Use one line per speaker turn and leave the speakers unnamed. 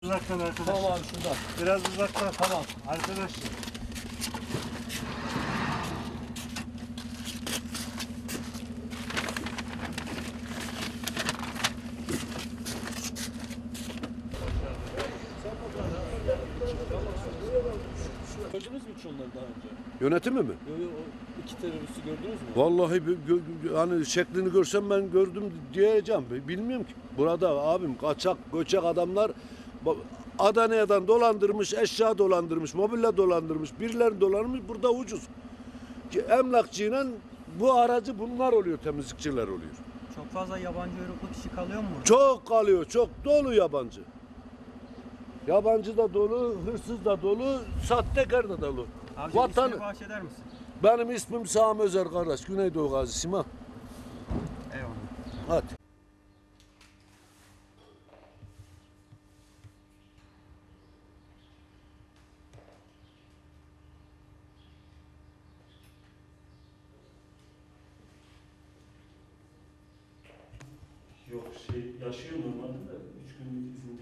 Uzaktan arkadaşlar.
Tamam abi şuradan.
Biraz uzaktan.
Tamam.
Arkadaşlar.
Gördünüz mü hiç onları daha önce?
Yönetimi mi?
O iki teröristi gördünüz mü?
Vallahi hani şeklini görsem ben gördüm diyeceğim. Bilmiyorum ki. Burada abim kaçak, göçek adamlar Adana'dan dolandırmış, eşya dolandırmış, mobilya dolandırmış, birileri dolandırmış. Burada ucuz. Emlakçıyla bu aracı bunlar oluyor, temizlikçiler oluyor.
Çok fazla yabancı uyruklu kişi kalıyor mu burada?
Çok kalıyor, çok dolu yabancı. Yabancı da dolu, hırsız da dolu, sahtekar da dolu.
Abicim
Vatan...
ismini bahşeder misin?
Benim ismim Sami Özer kardeş, Güneydoğu Gazi Sima.
Eyvallah.
Hadi.
Yok yaşıyor normalde de 3 günlük izin